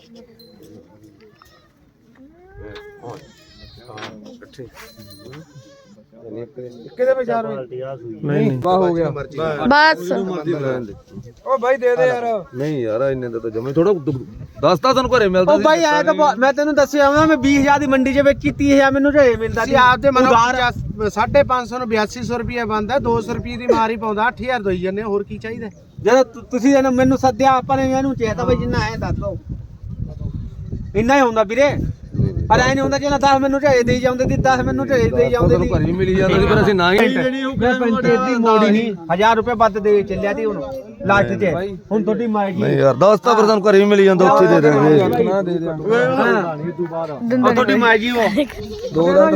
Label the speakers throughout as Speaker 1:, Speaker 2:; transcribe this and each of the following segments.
Speaker 1: ਕਿਹਦੇ ਵਿਚਾਰ
Speaker 2: ਨਹੀਂ ਬਾ ਹੋ ਗਿਆ
Speaker 3: ਬਸ
Speaker 1: ਓ ਬਾਈ ਦੇ ਦੇ ਯਾਰ।
Speaker 2: ਨਹੀਂ ਯਾਰ ਇੰਨੇ ਦਾ ਤਾਂ ਜਮੇ ਥੋੜਾ ਦੱਸਦਾ ਤੁਹਾਨੂੰ ਘਰੇ ਮਿਲਦਾ
Speaker 4: ਉਹ ਬਾਈ ਆਇਆ ਤਾਂ ਮੈਂ ਤੈਨੂੰ ਦੱਸਿਆ ਮੈਂ 20000 ਦੀ ਮੰਡੀ 'ਚ ਵੇਚੀ 30000 ਮੈਨੂੰ ਝੇ ਮਿਲਦਾ ਸੀ
Speaker 1: ਆਪ ਤੇ ਮਨੋ 550 ਨੂੰ 8200 ਰੁਪਏ ਬਣਦਾ 200 ਰੁਪਏ ਦੀ ਮਾਰ ਹੀ ਪਾਉਂਦਾ 8000 ਦੋਈ ਜੰਨੇ ਹੋਰ ਕੀ ਚਾਹੀਦਾ।
Speaker 4: ਜਦੋਂ ਤੁਸੀਂ ਮੈਨੂੰ ਸੱਦਿਆ ਆਪਾਂ ਨੇ ਇਹਨੂੰ ਚਾਹਤਾ ਬਈ ਜਿੰਨਾ ਆਇਆ ਦੱਸ ਦੋ ਇੰਨਾ ਹੀ ਹੁੰਦਾ ਵੀਰੇ ਪਰ ਐ ਨਹੀਂ ਹੁੰਦਾ ਜਿਹਨਾਂ 10 ਮੈਨੂੰ ਝੇ ਦੇਈ ਜਾਂਦੇ ਸੀ 10 ਮੈਨੂੰ ਝੇ ਦੇਈ ਜਾਂਦੇ ਸੀ
Speaker 2: ਘਰੇ ਮਿਲੀ ਜਾਂਦਾ ਸੀ ਪਰ ਅਸੀਂ ਨਾ ਹੀ
Speaker 4: ਮੈਂ ਪੰਚਾਇਤ ਦੀ ਮੋੜੀ ਨਹੀਂ 1000 ਰੁਪਏ ਵੱਧ ਦੇ ਚੱਲਿਆ ਸੀ ਹੁਣ ਲਾਸਟ 'ਚ ਹੁਣ ਤੁਹਾਡੀ ਮਾਇਗੀ
Speaker 2: ਨਹੀਂ ਯਾਰ ਦੱਸਦਾ ਪਰ ਤੁਹਾਨੂੰ ਘਰੇ ਮਿਲੀ ਜਾਂਦਾ ਉੱਥੇ ਦੇ ਦੇਣਗੇ
Speaker 1: ਨਾ ਦੇ ਦੇ
Speaker 4: ਉਹ ਤੁਹਾਡੀ ਮਾਇਗੀ ਉਹ
Speaker 2: ਦੋ ਦਾ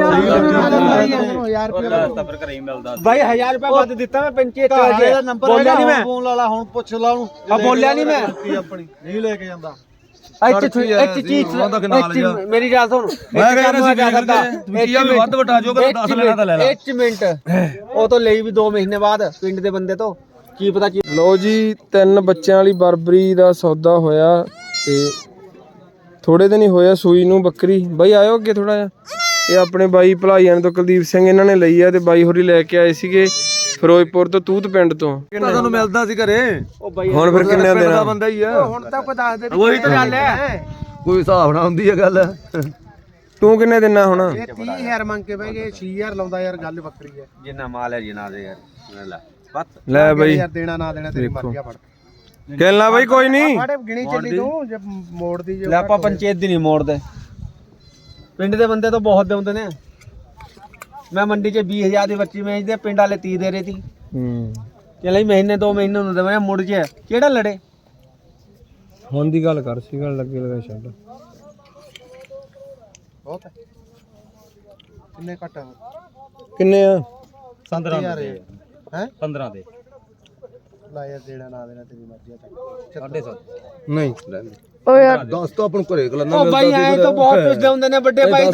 Speaker 1: ਯਾਰ
Speaker 4: ਬਾਈ 1000 ਰੁਪਏ ਵੱਧ ਦਿੱਤਾ ਮੈਂ ਪੰਚਾਇਤ ਚ ਬੋਲਿਆ ਨਹੀਂ ਮੈਂ
Speaker 1: ਫੋਨ ਲਾ ਲਾ ਹੁਣ ਪੁੱਛ ਲਾ ਉਹਨੂੰ
Speaker 4: ਆ ਬੋਲਿਆ ਨਹੀਂ ਮੈਂ
Speaker 1: ਆਪਣੀ ਨਹੀਂ ਲੈ ਕੇ ਜਾਂਦਾ
Speaker 4: ਇੱਕ ਚੀਜ਼ ਮੇਰੀ ਗੱਲ ਸੁਣ
Speaker 2: ਮੈਂ ਕਹਿੰਦਾ ਸੀ ਵੀ ਵੱਧ ਵਟਾ ਜੋ ਕਿ 10 ਲੈਣਾ ਤਾਂ ਲੈ ਲੈ
Speaker 4: 1 ਮਿੰਟ ਉਹ ਤੋਂ ਲਈ ਵੀ 2 ਮਹੀਨੇ ਬਾਅਦ ਪਿੰਡ ਦੇ ਬੰਦੇ ਤੋਂ ਕੀ ਪਤਾ ਕੀ
Speaker 5: ਲੋ ਜੀ 3 ਬੱਚਿਆਂ ਵਾਲੀ ਬਰਬਰੀ ਦਾ ਸੌਦਾ ਹੋਇਆ ਤੇ ਥੋੜੇ ਦਿਨ ਹੀ ਹੋਇਆ ਸੂਈ ਨੂੰ ਬੱਕਰੀ ਬਾਈ ਆਇਓ ਅੱਗੇ ਥੋੜਾ ਜਿਹਾ ਇਹ ਆਪਣੇ ਬਾਈ ਭਲਾਈਆਂ ਤੋਂ ਕੁਲਦੀਪ ਸਿੰਘ ਇਹਨਾਂ ਨੇ ਲਈ ਆ ਤੇ ਬਾਈ ਹੋਰੀ ਲੈ ਕੇ ਆਏ ਸੀਗੇ ਫਿਰੋਜ਼ਪੁਰ ਤੋਂ ਤੂਤ ਪਿੰਡ ਤੋਂ
Speaker 2: ਤੁਹਾਨੂੰ ਮਿਲਦਾ ਸੀ ਘਰੇ
Speaker 5: ਹੁਣ ਫਿਰ ਕਿੰਨੇ ਦਿਨ
Speaker 2: ਦਾ ਬੰਦਾ ਹੀ ਆ
Speaker 1: ਹੁਣ ਤਾਂ ਕੋਈ ਦੱਸ ਦੇ
Speaker 4: ਉਹੀ ਤਾਂ ਗੱਲ ਹੈ
Speaker 2: ਕੋਈ ਹਿਸਾਬ ਨਾ ਹੁੰਦੀ ਹੈ ਗੱਲ
Speaker 5: ਤੂੰ ਕਿੰਨੇ ਦਿਨਾਂ ਹੁਣ
Speaker 1: ਇਹ 30000 ਮੰਗ ਕੇ ਬਹਿ ਗਏ 6000 ਲਾਉਂਦਾ ਯਾਰ ਗੱਲ ਵੱਖਰੀ ਹੈ।
Speaker 4: ਜਿੰਨਾ ਮਾਲ ਹੈ ਜਿੰਨਾ ਦੇ ਯਾਰ ਲੈ
Speaker 5: ਲੈ ਬਾਈ
Speaker 1: ਯਾਰ ਦੇਣਾ ਨਾ ਦੇਣਾ ਤੇਰੀ ਮਰਜ਼ੀ ਆ ਫੜ
Speaker 5: ਕਹਿਣਾ ਬਾਈ ਕੋਈ ਨਹੀਂ
Speaker 1: ਫੜ ਗਿਣੀ ਚੱਲੀ ਤੂੰ ਜੇ ਮੋੜਦੀ ਜੇ
Speaker 4: ਲੈ ਆਪਾਂ ਪੰਚਾਇਤ ਦੀ ਨਹੀਂ ਮੋੜਦੇ ਪਿੰਡ ਦੇ ਬੰਦੇ ਤਾਂ ਬਹੁਤ ਦੇਉਂਦੇ ਨੇ ਮੈਂ ਮੰਡੀ 'ਚ 20000 ਦੀ ਬੱਚੀ ਵੇਚਦੇ ਪਿੰਡ ਵਾਲੇ 30 ਦੇ ਰਹੇ ਸੀ ਚਲੇ ਮਹੀਨੇ 2 ਮਹੀਨੇ ਨੂੰ ਦੇਵਾਂ ਮੁੜ ਜੇ ਕਿਹੜਾ ਲੜੇ
Speaker 5: ਹੁਣ ਦੀ ਗੱਲ ਕਰ ਸੀ ਗੱਲ ਲੱਗੇ ਲਗਾ ਛੱਡ
Speaker 1: ਬਹੁਤ ਹੈ ਕਿੰਨੇ ਘੱਟ
Speaker 5: ਕਿੰਨੇ ਆ
Speaker 1: 15 ਦੇ ਹੈ
Speaker 4: 15 ਦੇ
Speaker 1: ਲਾ ਯਾਰ ਦੇਣਾ ਨਾ ਦੇਣਾ ਤੇਰੀ ਮਰਜ਼ੀ ਆ 7.5
Speaker 2: ਨਹੀਂ ਲੈ
Speaker 3: ਓ ਯਾਰ
Speaker 2: ਦੱਸ ਤਾਂ ਆਪਾਂ ਨੂੰ ਘਰੇ ਗਲਨਾ
Speaker 4: ਉਹ ਬਾਈ ਐ ਤਾਂ ਬਹੁਤ ਪੁੱਛਦੇ ਹੁੰਦੇ ਨੇ ਵੱਡੇ ਭਾਈ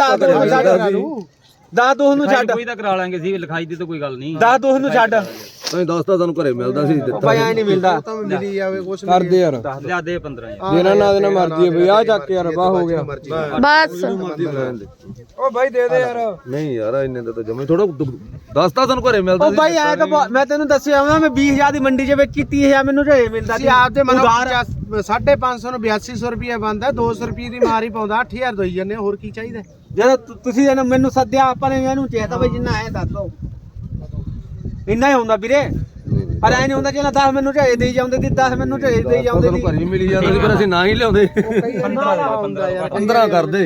Speaker 4: ਦਾ ਤੂੰ ਨੂੰ ਛੱਡ
Speaker 6: ਕੋਈ ਤਾਂ ਕਰਾ ਲਾਂਗੇ ਸੀ ਲਿਖਾਈ ਦੀ ਤਾਂ ਕੋਈ ਗੱਲ ਨਹੀਂ
Speaker 4: ਦਾ ਤੂੰ ਨੂੰ ਛੱਡ
Speaker 2: ਨਹੀਂ ਦੱਸਦਾ ਤੁਹਾਨੂੰ ਘਰੇ ਮਿਲਦਾ ਸੀ ਦਿੱਤਾ
Speaker 4: ਭਾਈ ਐ ਨਹੀਂ ਮਿਲਦਾ
Speaker 1: ਤਾਂ ਮਿਲੀ ਜਾਵੇ ਕੁਛ
Speaker 5: ਕਰਦੇ ਯਾਰ
Speaker 6: ਲਿਆ ਦੇ 15 ਯਾਰ
Speaker 5: ਦੇਣਾ ਨਾ ਦੇਣਾ ਮਰਜ਼ੀ ਹੈ ਬਈ ਆ ਚੱਕ ਕੇ ਯਾਰ ਬਾਹ ਹੋ ਗਿਆ
Speaker 3: ਬਸ
Speaker 1: ਓ ਬਾਈ ਦੇ ਦੇ ਯਾਰ।
Speaker 2: ਨਹੀਂ ਯਾਰ ਇੰਨੇ ਦਾ ਤਾਂ ਜਮੇ ਥੋੜਾ ਦੱਸਦਾ ਤੁਹਾਨੂੰ ਘਰੇ ਮਿਲਦਾ
Speaker 4: ਉਹ ਬਾਈ ਆਇਆ ਤਾਂ ਮੈਂ ਤੈਨੂੰ ਦੱਸਿਆ ਮੈਂ 20000 ਦੀ ਮੰਡੀ 'ਚ ਵੇਚੀ 30000 ਮੈਨੂੰ ਝੇ ਮਿਲਦਾ ਸੀ
Speaker 1: ਆਪ ਤੇ ਮਨੋ 550 ਨੂੰ 8200 ਰੁਪਏ ਬਣਦਾ 200 ਰੁਪਏ ਦੀ ਮਾਰ ਹੀ ਪਾਉਂਦਾ 8000 ਦੋਈ ਜੰਨੇ ਹੋਰ ਕੀ ਚਾਹੀਦਾ।
Speaker 4: ਜਦੋਂ ਤੁਸੀਂ ਮੈਨੂੰ ਸੱਦਿਆ ਆਪਾਂ ਨੇ ਇਹਨੂੰ ਚਾਹਤਾ ਬਈ ਜਿੰਨਾ ਆਇਆ ਦੱਸ ਦੋ ਇੰਨਾ ਹੀ ਹੁੰਦਾ ਵੀਰੇ ਪਰ ਐ ਨਹੀਂ ਹੁੰਦਾ ਜਿਹਨਾਂ 10 ਮੈਨੂੰ ਝੇ ਦੇਈ ਜਾਂਦੇ ਸੀ 10 ਮੈਨੂੰ ਝੇ ਦੇਈ ਜਾਂਦੇ ਸੀ
Speaker 2: ਘਰੇ ਮਿਲੀ ਜਾਂਦਾ ਸੀ ਪਰ ਅਸੀਂ ਨਾ ਹੀ ਲਿਆਉਂਦੇ 15 ਕਰਦੇ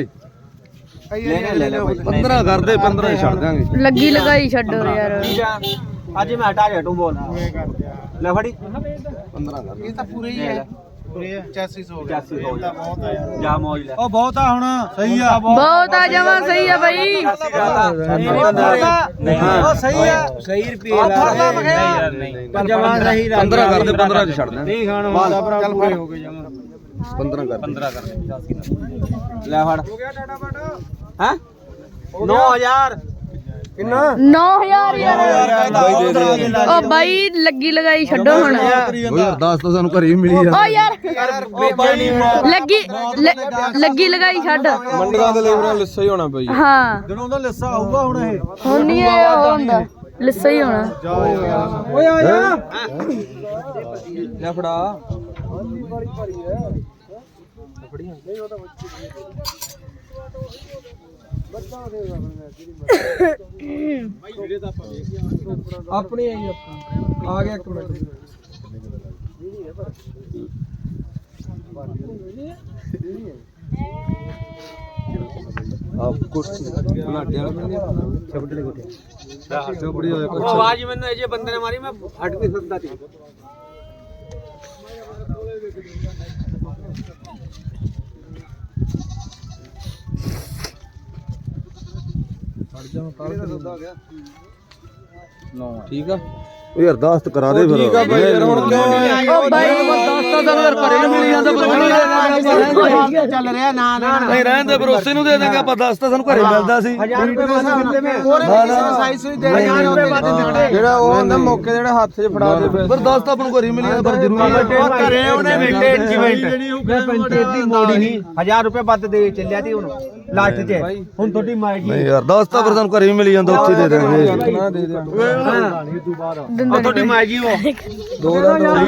Speaker 2: 15 ਕਰਦੇ 15 ਹੀ ਛੱਡ ਦਾਂਗੇ
Speaker 3: ਲੱਗੀ ਲਗਾਈ ਛੱਡੋ ਯਾਰ
Speaker 4: ਅੱਜ ਮੈਂ ਹਟਾ ਜਾ ਤੂੰ ਬੋਲ ਲੈ ਫੜੀ
Speaker 2: 15 ਕਰਦੇ
Speaker 1: ਇਹ ਤਾਂ ਪੂਰੇ ਹੀ ਹੈ ਪੂਰੇ 85 ਹੋ ਗਿਆ
Speaker 4: 85 ਹੋ ਗਿਆ
Speaker 1: ਬਹੁਤ ਆ ਯਾਰ
Speaker 4: ਜਾ ਮੌਜ ਲੈ
Speaker 1: ਉਹ ਬਹੁਤ ਆ ਹੁਣ ਸਹੀ ਆ
Speaker 3: ਬਹੁਤ ਆ ਜਮਾ ਸਹੀ ਆ ਬਾਈ
Speaker 1: ਉਹ ਸਹੀ ਆ
Speaker 4: ਸਹੀ ਰੁਪਏ ਲਾ
Speaker 6: ਨਹੀਂ
Speaker 4: ਜਮਾ ਸਹੀ
Speaker 2: 15 ਕਰਦੇ 15 ਚ ਛੱਡ ਦਾਂਗੇ
Speaker 4: ਨਹੀਂ ਖਾਣ ਵਾਲਾ ਭਰਾ ਪੂਰੇ ਹੋ ਗਏ ਜਮਾ
Speaker 2: 15 ਕਰਦੇ
Speaker 6: 15 ਕਰ
Speaker 4: ਲੈ ਫੜ
Speaker 1: ਹੋ ਗਿਆ ਟਾਟਾ ਬਾਟਾ
Speaker 4: ਹੈ 9000
Speaker 5: ਕਿੰਨਾ
Speaker 3: 9000 ਯਾਰ ਓ ਬਾਈ ਲੱਗੀ ਲਗਾਈ ਛੱਡੋ ਹੁਣ
Speaker 2: ਉਹ ਯਾਰ ਦੱਸ ਤਾਂ ਸਾਨੂੰ ਘਰੇ ਹੀ ਮਿਲੀ ਜਾਂਦਾ
Speaker 3: ਓ ਯਾਰ ਲੱਗੀ ਲਗਾਈ ਛੱਡ
Speaker 5: ਮੰਡੀਆਂ ਦੇ ਲੇਬਰਾਂ ਲਿੱਸਾ ਹੀ ਹੋਣਾ ਬਈ
Speaker 3: ਹਾਂ
Speaker 1: ਜਦੋਂ ਦਾ ਲਿੱਸਾ ਆਊਗਾ ਹੁਣ ਇਹ
Speaker 3: ਹੁਣ ਨਹੀਂ ਇਹ ਉਹ ਹੁੰਦਾ ਲਿੱਸਾ ਹੀ ਹੋਣਾ
Speaker 4: ਓਏ ਆ ਜਾ ਲੈ ਫੜਾ
Speaker 5: ਆਪਣੀ ਆਈ ਆ ਗਿਆ 1 ਮਿੰਟ
Speaker 2: ਆਪ ਕੁਰਸੀ ਬਲਾਡੇ ਵਾਲਾ ਮਿਲ ਗਿਆ ਛਬੜੇ ਕੋਠੇ ਛਬੜੀ ਹੋਇਆ
Speaker 4: ਉਹ ਆਵਾਜ਼ ਮੈਨੂੰ ਇਹ ਜੇ ਬੰਦੇ ਨੇ ਮਾਰੀ ਮੈਂ ਹਟ ਨਹੀਂ ਸਕਦਾ ਸੀ
Speaker 5: ਠੀਕ ਆ
Speaker 2: ਉਹ ਯਾਰ ਦਾਸਤ ਕਰਾ ਦੇ ਫਿਰ
Speaker 5: ਠੀਕ ਆ ਬਾਈ ਯਾਰ ਹੁਣ ਕਿਉਂ
Speaker 3: ਓ ਬਾਈ
Speaker 1: ਚੱਲ ਰਿਹਾ ਨਾ ਨਾ
Speaker 2: ਨਹੀਂ ਰਹਿਣ ਦੇ ਭਰੋਸੇ ਨੂੰ ਦੇ ਦੇਂਗੇ ਆਪਾਂ 10 ਤਾਂ ਸਾਨੂੰ ਘਰੇ ਮਿਲਦਾ ਸੀ
Speaker 4: 1000 रुपए बंद मिलते में
Speaker 1: ਹੋਰ ਕਿਸੇ ਨੂੰ ਸਾਈ ਸੂਈ ਦੇ ਦੇਣਾ
Speaker 5: ਜਿਹੜਾ ਉਹ ਹੁੰਦਾ ਮੌਕੇ ਜਿਹੜਾ ਹੱਥ 'ਚ ਫੜਾ ਦੇ
Speaker 2: ਪਰ 10 ਤਾਂ ਆਪਾਂ ਨੂੰ ਘਰੇ ਮਿਲ ਜਾਂਦਾ ਪਰ ਜ਼ਰੂਰੀ
Speaker 4: ਘਰੇ ਉਹਨੇ ਪੰਚਾਇਤ ਦੀ ਮੋੜੀ ਨਹੀਂ 1000 रुपए ਵੱਧ ਦੇ ਚੱਲਿਆ ਤੀ ਹੁਣ ਲਾਸਟ 'ਚ ਹੁਣ ਤੁਹਾਡੀ ਮਾਇਗੀ
Speaker 2: ਨਹੀਂ ਯਾਰ 10 ਤਾਂ ਫਿਰ ਸਾਨੂੰ ਘਰੇ ਮਿਲ ਜਾਂਦਾ ਉੱਥੇ ਦੇ ਦੇਣਗੇ
Speaker 5: ਨਾ ਦੇ ਦੇ
Speaker 4: ਉਹ ਤੁਹਾਡੀ ਮਾਇਗੀ ਉਹ
Speaker 5: ਦੋ ਦਾ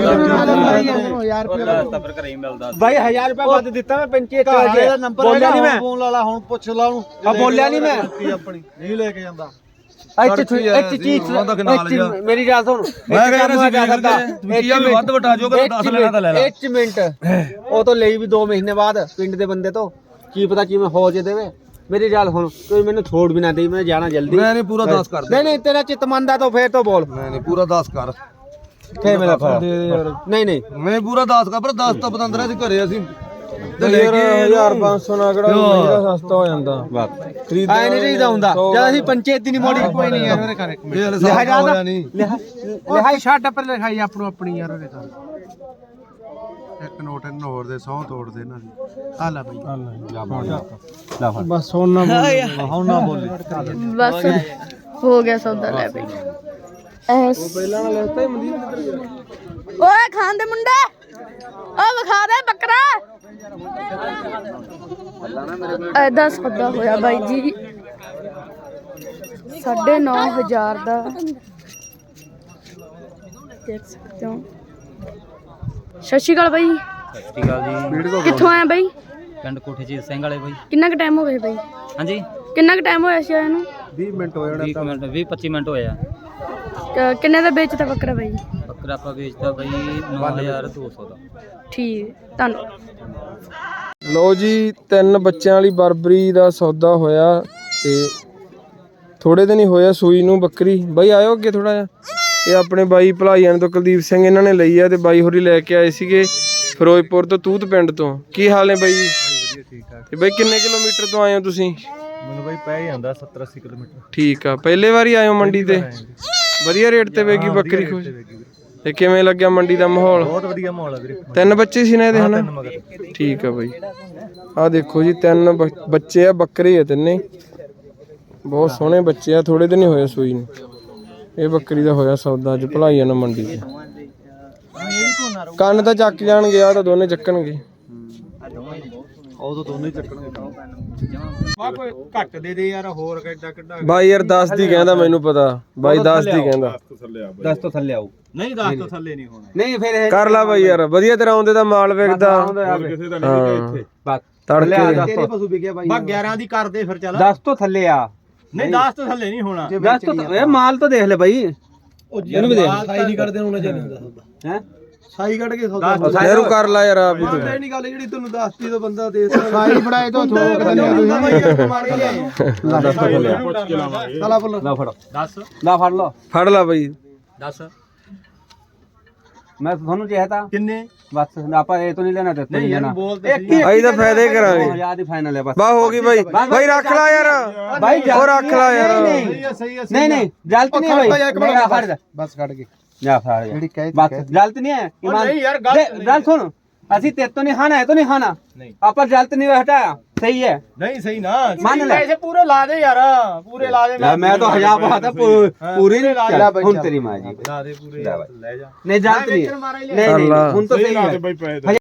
Speaker 6: ਤਾਂ ਫਿਰ ਘਰੇ ਹੀ ਮਿਲਦਾ
Speaker 4: ਭਾਈ 1000 रुपए ਵੱਧ ਦਿੱਤਾ ਮੈਂ ਪੰਚਾਇਤ ਦਾ ਨੰਬਰ ਬੋਲਿਆ ਨਹੀਂ ਮੈਂ
Speaker 1: ਫੋਨ ਲਾ ਲਾ ਹੁਣ ਪੁੱਛ ਲਾ ਉਹਨੂੰ
Speaker 4: ਆ ਬੋਲਿਆ ਨਹੀਂ ਮੈਂ
Speaker 1: ਆਪਣੀ ਨਹੀਂ ਲੈ ਕੇ ਜਾਂਦਾ
Speaker 4: ਇੱਥੇ ਚੀਜ਼ ਮੇਰੀ ਗੱਲ ਸੁਣ
Speaker 2: ਮੈਂ ਕਹਿੰਦਾ ਸੀ ਕੀ ਆ ਵੀ ਵੱਧ ਵਟਾ ਜੋ ਕਿ 10 ਲੈਣਾ ਤਾਂ ਲੈ ਲੈ
Speaker 4: 1 ਮਿੰਟ ਉਹ ਤੋਂ ਲਈ ਵੀ 2 ਮਹੀਨੇ ਬਾਅਦ ਪਿੰਡ ਦੇ ਬੰਦੇ ਤੋਂ ਕੀ ਪਤਾ ਕਿਵੇਂ ਹੋ ਜੇ ਦੇਵੇ ਮੇਰੀ ਗੱਲ ਹੁਣ ਕੋਈ ਮੈਨੂੰ ਛੋੜ ਵੀ ਨਾ ਦੇ ਮੈਂ ਜਾਣਾ ਜਲਦੀ
Speaker 2: ਮੈਂ ਨਹੀਂ ਪੂਰਾ 10 ਕਰ
Speaker 4: ਨਹੀਂ ਨਹੀਂ ਤੇਰਾ ਚਿੱਤ ਮੰਨਦਾ ਤਾਂ ਫੇਰ ਤੋਂ ਬੋਲ
Speaker 2: ਮੈਂ ਨਹੀਂ ਪੂਰਾ 10 ਕਰ
Speaker 4: ਫੇਰ ਮੇਰਾ ਫੜ ਨਹੀਂ ਨਹੀਂ
Speaker 2: ਮੈਂ ਪੂਰਾ 10 ਕਰ ਪਰ 10 ਤਾਂ ਪਤੰਦਰਾ ਸੀ ਘਰੇ ਅਸੀਂ
Speaker 5: ਤੇ ਯਾਰ 1500 ਨਾ ਕਿਹੜਾ ਮਹੀਨਾ ਸਸਤਾ ਹੋ ਜਾਂਦਾ ਖਰੀਦ
Speaker 4: ਆਏ ਨਹੀਂ ਚਾਹੀਦਾ ਹੁੰਦਾ ਜਦ ਅਸੀਂ ਪੰਚਾਇਤ ਦੀ ਨਹੀਂ ਮੋੜੀ ਕੋਈ ਨਹੀਂ ਯਾਰ
Speaker 1: ਘਰ ਇੱਕ ਮਿੰਟ
Speaker 2: ਇਹ ਹਲੇ ਸਾਲ ਹੋਇਆ ਨਹੀਂ
Speaker 1: ਲਿਹਾਈ ਛੱਡ ਪਰ ਲਿਖਾਈ ਆਪਣੋ ਆਪਣੀ ਯਾਰ ਉਹਦੇ ਘਰ ਇੱਕ ਨੋਟ ਇਹਨਾਂ ਹੋਰ ਦੇ 100 ਤੋੜ ਦੇ ਇਹਨਾਂ ਦੀ ਆ ਲੈ ਬਈ
Speaker 5: ਬਸ ਹੁਣ ਨਾ ਬੋਲ
Speaker 3: ਬਸ ਹੋ ਗਿਆ ਸੌਦਾ ਲੈ ਬਈ ਐਸ
Speaker 5: ਪਹਿਲਾਂ ਨਾਲ ਲੈਤਾ ਹੀ ਮਨਦੀਪ ਕਿੱਧਰ ਗਿਆ
Speaker 3: ਓਏ ਖਾਣ ਦੇ ਮੁੰਡੇ ਓ ਵਿਖਾ ਦੇ ਬੱਕਰਾ ਐਦਾ ਸੌਦਾ ਹੋਇਆ ਬਾਈ ਜੀ 9500 ਦਾ ਦੇਖ ਸਕਦੇ ਹੋ। ਸਤਿ ਸ਼੍ਰੀ ਅਕਾਲ ਬਾਈ
Speaker 6: ਸਤਿ ਸ਼੍ਰੀ ਅਕਾਲ ਜੀ
Speaker 3: ਕਿੱਥੋਂ ਆਇਆ ਬਾਈ
Speaker 6: ਪਿੰਡ ਕੋਠੇ ਜੀ ਸਿੰਘ ਵਾਲੇ ਬਾਈ
Speaker 3: ਕਿੰਨਾ ਕੁ ਟਾਈਮ ਹੋ ਗਿਆ ਬਾਈ
Speaker 6: ਹਾਂਜੀ
Speaker 3: ਕਿੰਨਾ ਕੁ ਟਾਈਮ ਹੋਇਆ ਸੀ ਆਇਆ ਨੂੰ
Speaker 1: 20 ਮਿੰਟ ਹੋ
Speaker 6: 20 ਮਿੰਟ 20-25 ਮਿੰਟ ਹੋਏ ਆ
Speaker 3: ਕਿੰਨੇ ਦਾ ਵੇਚਦਾ ਬੱਕਰਾ ਬਾਈ
Speaker 6: ਬੱਕਰਾ ਆਪਾਂ ਵੇਚਦਾ ਬਾਈ 9200 ਦਾ
Speaker 3: ਠੀਕ ਧੰਨਵਾਦ
Speaker 5: ਲੋ ਜੀ 3 ਬੱਚਿਆਂ ਵਾਲੀ ਬਰਬਰੀ ਦਾ ਸੌਦਾ ਹੋਇਆ ਤੇ ਥੋੜੇ ਦਿਨ ਹੀ ਹੋਇਆ ਸੂਈ ਨੂੰ ਬੱਕਰੀ ਬਾਈ ਆਇਓ ਅੱਗੇ ਥੋੜਾ ਜਿਹਾ ਇਹ ਆਪਣੇ ਬਾਈ ਭਲਾਈਆਂ ਤੋਂ ਕੁਲਦੀਪ ਸਿੰਘ ਇਹਨਾਂ ਨੇ ਲਈ ਆ ਤੇ ਬਾਈ ਹੋਰੀ ਲੈ ਕੇ ਆਏ ਸੀਗੇ ਫਿਰੋਜ਼ਪੁਰ ਤੋਂ ਤੂਤ ਪਿੰਡ ਤੋਂ ਕੀ ਹਾਲ ਨੇ ਬਾਈ ਜੀ ਤੇ ਬਾਈ ਕਿੰਨੇ ਕਿਲੋਮੀਟਰ ਤੋਂ ਆਏ ਹੋ ਤੁਸੀਂ
Speaker 1: ਮੈਨੂੰ ਬਾਈ ਪੈ ਜਾਂਦਾ 70-80 ਕਿਲੋਮੀਟਰ
Speaker 5: ਠੀਕ ਆ ਪਹਿਲੇ ਵਾਰੀ ਆਏ ਹੋ ਮੰਡੀ ਤੇ ਵਧੀਆ ਰੇਟ ਤੇ ਵੇਗੀ ਬੱਕਰੀ ਖੁਸ਼ ਤੇ ਕਿਵੇਂ ਲੱਗਿਆ ਮੰਡੀ ਦਾ ਮਾਹੌਲ
Speaker 1: ਬਹੁਤ ਵਧੀਆ ਮਾਹੌਲ ਹੈ ਵੀਰੇ
Speaker 5: 3 ਬੱਚੇ ਸੀ ਨਾ ਇਹਦੇ ਹਨਾ ਠੀਕ ਆ ਬਾਈ ਆ ਦੇਖੋ ਜੀ 3 ਬੱਚੇ ਆ ਬੱਕਰੇ ਆ ਤਿੰਨੇ ਬਹੁਤ ਸੋਹਣੇ ਬੱਚੇ ਆ ਥੋੜੇ ਦਿਨ ਹੀ ਹੋਏ ਸੂਈ ਨੂੰ ਇਹ ਬੱਕਰੀ ਦਾ ਹੋਇਆ ਸੌਦਾ ਅੱਜ ਭਲਾਈਆਂ ਨਾਲ ਮੰਡੀ 'ਚ ਕੰਨ ਤਾਂ ਚੱਕ ਜਾਣਗੇ ਆ ਤਾਂ ਦੋਨੇ ਚੱਕਣਗੇ
Speaker 1: ਉਹ ਤਾਂ ਦੋਨੇ ਚੱਕਣਗੇ ਵਾ ਕੋਈ ਘੱਟ ਦੇ ਦੇ ਯਾਰ ਹੋਰ ਕਿੱਡਾ ਕਿੱਡਾ
Speaker 5: ਬਾਈ ਯਾਰ 10 ਦੀ ਕਹਿੰਦਾ ਮੈਨੂੰ ਪਤਾ ਬਾਈ 10 ਦੀ ਕਹਿੰਦਾ
Speaker 4: 10 ਤੋਂ ਥੱਲੇ ਆਉ
Speaker 1: ਨਹੀਂ 10 ਤੋਂ ਥੱਲੇ ਨਹੀਂ ਹੋਣਾ
Speaker 4: ਨਹੀਂ ਫਿਰ ਇਹ
Speaker 5: ਕਰ ਲਾ ਬਾਈ ਯਾਰ ਵਧੀਆ ਤਰ੍ਹਾਂ ਆਉਂਦੇ ਤਾਂ ਮਾਲ ਵਿਕਦਾ
Speaker 1: ਕਿਸੇ ਦਾ ਨਹੀਂ
Speaker 4: ਬਸ
Speaker 5: ਤੜਕੇ
Speaker 1: ਤੇਰੇ ਪਸ਼ੂ ਵਿਕਿਆ ਬਾਈ ਬਾ 11 ਦੀ ਕਰ ਦੇ ਫਿਰ ਚੱਲ
Speaker 4: 10 ਤੋਂ ਥੱਲੇ ਆ
Speaker 1: ਨਹੀਂ 10 ਤੋਂ ਥੱਲੇ ਨਹੀਂ ਹੋਣਾ
Speaker 4: 10 ਤੋਂ ਇਹ ਮਾਲ ਤਾਂ ਦੇਖ ਲੈ ਬਾਈ
Speaker 1: ਇਹਨੂੰ ਵੀ ਦੇ ਸਾਈ ਨਹੀਂ ਕੱਢਦੇ ਹੁਣ ਜੇ
Speaker 4: ਹੈ
Speaker 1: ਸਾਈ ਕੱਢ ਕੇ ਸੌਦਾ
Speaker 5: ਯਾਰੂ ਕਰ ਲਾ ਯਾਰ ਆਪ ਹੀ ਤੂੰ
Speaker 1: ਇਹ ਨਹੀਂ ਗੱਲ ਜਿਹੜੀ ਤੈਨੂੰ ਦੱਸਤੀ ਤੋਂ ਬੰਦਾ ਦੇ ਸਾਈ ਬਣਾਏ ਤੋਂ ਥੋਕ ਦਿੰਦੇ ਸਾਲਾ ਬੋਲ
Speaker 4: ਲਾ ਫੜੋ 10 ਲਾ ਫੜ ਲਓ
Speaker 5: ਫੜ ਲਾ ਬਾਈ
Speaker 6: 10
Speaker 4: ਮੈਂ ਤੁਹਾਨੂੰ ਚਾਹਤਾ
Speaker 1: ਕਿੰਨੇ
Speaker 4: ਬਸ ਆਪਾਂ ਇਹ ਤੋਂ ਨਹੀਂ ਲੈਣਾ ਤੇ
Speaker 1: ਨਹੀਂ ਯਾਰ ਬੋਲ ਤੇ
Speaker 5: ਅਸੀਂ ਤਾਂ ਫਾਇਦੇ ਕਰਾਂਗੇ
Speaker 4: ਆਜ਼ਾਦ ਹੀ ਫਾਈਨਲ ਹੈ ਬਸ
Speaker 5: ਬਾ ਹੋ ਗਈ ਬਾਈ ਬਾਈ ਰੱਖ ਲਾ ਯਾਰ
Speaker 4: ਬਾਈ
Speaker 5: ਉਹ ਰੱਖ ਲਾ ਯਾਰ
Speaker 4: ਨਹੀਂ ਨਹੀਂ ਜਲਤ ਨਹੀਂ ਹੈ ਬਾਈ ਮੇਰਾ ਫੜ
Speaker 1: ਬਸ ਕੱਢ ਕੇ
Speaker 4: ਜਾ ਫੜ
Speaker 1: ਜਿਹੜੀ ਕਹਿ
Speaker 4: ਬਸ ਜਲਤ ਨਹੀਂ ਹੈ
Speaker 1: ਨਹੀਂ ਯਾਰ
Speaker 4: ਗੱਲ ਸੁਣ ਅਸੀਂ ਤੇ ਤੋਂ ਨਹੀਂ ਖਾਣਾ ਹੈ ਤੋਂ ਨਹੀਂ ਖਾਣਾ ਆਪਾਂ ਜਲਤ ਨਹੀਂ ਹਟਾਇਆ ਸਹੀ ਹੈ
Speaker 1: ਨਹੀਂ ਸਹੀ ਨਾ
Speaker 4: ਮੰਨ ਲੈ
Speaker 1: ਪੈਸੇ ਪੂਰੇ ਲਾ ਦੇ ਯਾਰ ਪੂਰੇ ਲਾ ਦੇ
Speaker 4: ਮੈਂ ਤਾਂ 1000 ਬਾਤ ਪੂਰੀ ਨਹੀਂ ਹੁਣ ਤੇਰੀ ਮਾਂ ਜੀ
Speaker 1: ਲਾ ਦੇ ਪੂਰੇ ਲੈ ਜਾ
Speaker 4: ਨਹੀਂ ਜਲਤ ਨਹੀਂ
Speaker 5: ਕਰ ਲਾ
Speaker 4: ਹੁਣ ਤਾਂ ਸਹੀ ਹੈ